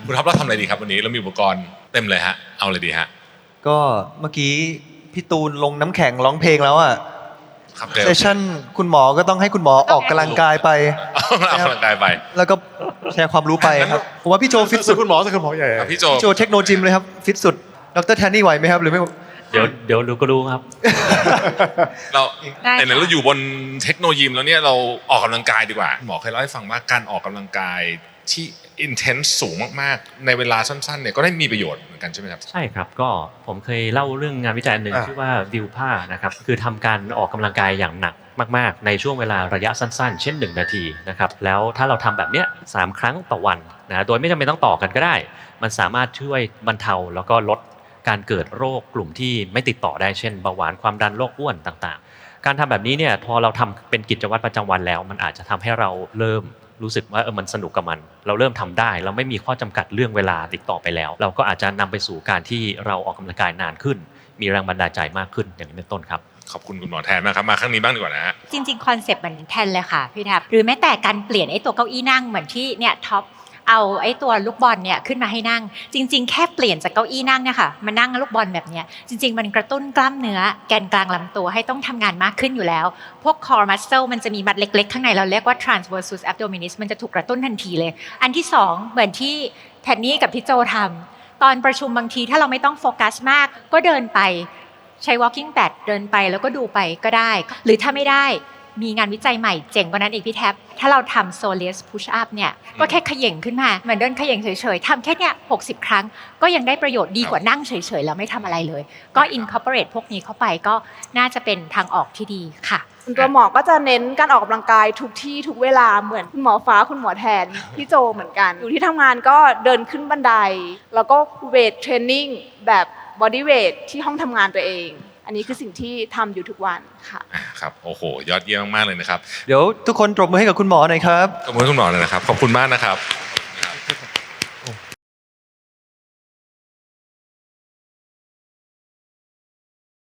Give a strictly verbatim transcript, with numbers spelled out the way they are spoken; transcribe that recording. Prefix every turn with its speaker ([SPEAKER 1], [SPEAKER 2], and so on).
[SPEAKER 1] คุณท็อปเราทำอะไรดีครับวันนี้เรามีอุปกรณ์เต็มเลยฮะเอาเลยดีฮะ
[SPEAKER 2] ก็เมื่อกี้พี่ตูนลงน้ำแข็งร้องเพลงแล้วอ่ะ
[SPEAKER 1] ครับ
[SPEAKER 2] เซสชั่นคุณหมอก็ต้องให้คุณหมอออกกำลังกายไป
[SPEAKER 1] เอาออกกำลังกายไป
[SPEAKER 2] แล้วก็แชร์ความรู้ไปครับผมว่าพี่โจฟิตสุด
[SPEAKER 3] คุณหมอสักคุณหมอใหญ่
[SPEAKER 1] ครับพี่โจ
[SPEAKER 2] พี่โจเทคโนจิมเลยครับฟิตสุดดรแทนนี่ไหวไหมครับหรือไม่
[SPEAKER 4] เดี๋ยวเดี๋ยวรู้ก็รู้ครับ
[SPEAKER 1] เราไหนๆเราอยู่บนเทคโนโลยีแล้วเนี่ยเราออกกำลังกายดีกว่าหมอเคยเล่าให้ฟังว่าการออกกำลังกายที่อินเทนส์สูงมากๆในเวลาสั้นๆเนี่ยก็ได้มีประโยชน์เหมือนกันใช่ไหมครับ
[SPEAKER 4] ใช่ครับก็ผมเคยเล่าเรื่องงานวิจัยหนึ่งชื่อว่าวิวผ้านะครับคือทำการออกกำลังกายอย่างหนักมากๆในช่วงเวลาระยะสั้นๆเช่นหนึ่งนาทีนะครับแล้วถ้าเราทำแบบเนี้ยสามครั้งต่อวันนะโดยไม่จำเป็นต้องต่อกันก็ได้มันสามารถช่วยบรรเทาแล้วก็ลดการเกิดโรคกลุ่มที่ไม่ติดต่อได้เช่นเบาหวานความดันโรคอ้วนต่างๆการทำแบบนี้เนี่ยพอเราทำเป็นกิจวัตรประจำวันแล้วมันอาจจะทำให้เราเริ่มรู้สึกว่าเออมันสนุกกับมันเราเริ่มทำได้เราไม่มีข้อจำกัดเรื่องเวลาติดต่อไปแล้วเราก็อาจจะนำไปสู่การที่เราออกกำลังกายนานขึ้นมีแรงบันดาลใจมากขึ้นอย่างนี้เป็นต้นครับ
[SPEAKER 1] ขอบคุณคุณหมอแทนมากครับมาครั้งนี้บ้างดีกว่านะฮะ
[SPEAKER 5] จริงๆคอนเซปต์เหมือนแทนเลยค่ะพี่ทับหรือแม้แต่การเปลี่ยนไอ้ตัวเก้าอี้นั่งเหมือนที่เนี่ยท็อปเอาไอ้ตัวลูกบอลเนี่ยขึ้นมาให้นั่งจริงๆแค่เปลี่ยนจากเก้าอี้นั่งเนี่ยค่ะมานั่งลูกบอลแบบเนี้ยจริงๆมันกระตุ้นกล้ามเนื้อแกนกลางลำตัวให้ต้องทำงานมากขึ้นอยู่แล้วพวก core muscle มันจะมีมัดเล็กๆข้างในเราเรียกว่า transversus abdominis มันจะถูกกระตุ้นทันทีเลยอันที่สองเหมือนที่แทนนี่กับพี่โจทำตอนประชุมบางทีถ้าเราไม่ต้องโฟกัสมากก็เดินไปใช้ walking pad เดินไปแล้วก็ดูไปก็ได้หรือถ้าไม่ได้มีงานวิจัยใหม่เจ๋งกว่านั้นอีกพี่แท็บถ้าเราทำ soleus push up เนี่ยก็แค่เขย่งขึ้นมาเหมือนเดินเขย่งเฉยๆทำแค่เนี้ยหกสิบครั้งก็ยังได้ประโยชน์ดีกว่านั่งเฉยๆแล้วไม่ทำอะไรเลยก็ incorporate พวกนี้เข้าไปก็น่าจะเป็นทางออกที่ดีค่ะ
[SPEAKER 6] ตัวหมอก็จะเน้นการออกกำลังกายทุกที่ทุกเวลาเหมือนคุณหมอฟ้าคุณหมอแทนพี่โจเหมือนกันอยู่ที่ทำงานก็เดินขึ้นบันไดแล้วก็เวทเทรนนิ่งแบบบอดี้เวทที่ห้องทำงานตัวเองอันนี้คือสิ่งที่ทำอยู่ทุกวันค่ะ
[SPEAKER 1] ครับโอ้โหยอดเยี่ยมมากๆเลยนะครับ
[SPEAKER 2] เดี๋ยวทุกคนปรบมือให้กับคุณหมอหน่อยครับ
[SPEAKER 1] ขอบคุณคุณหมอเลยนะครับขอบคุณมากนะครับ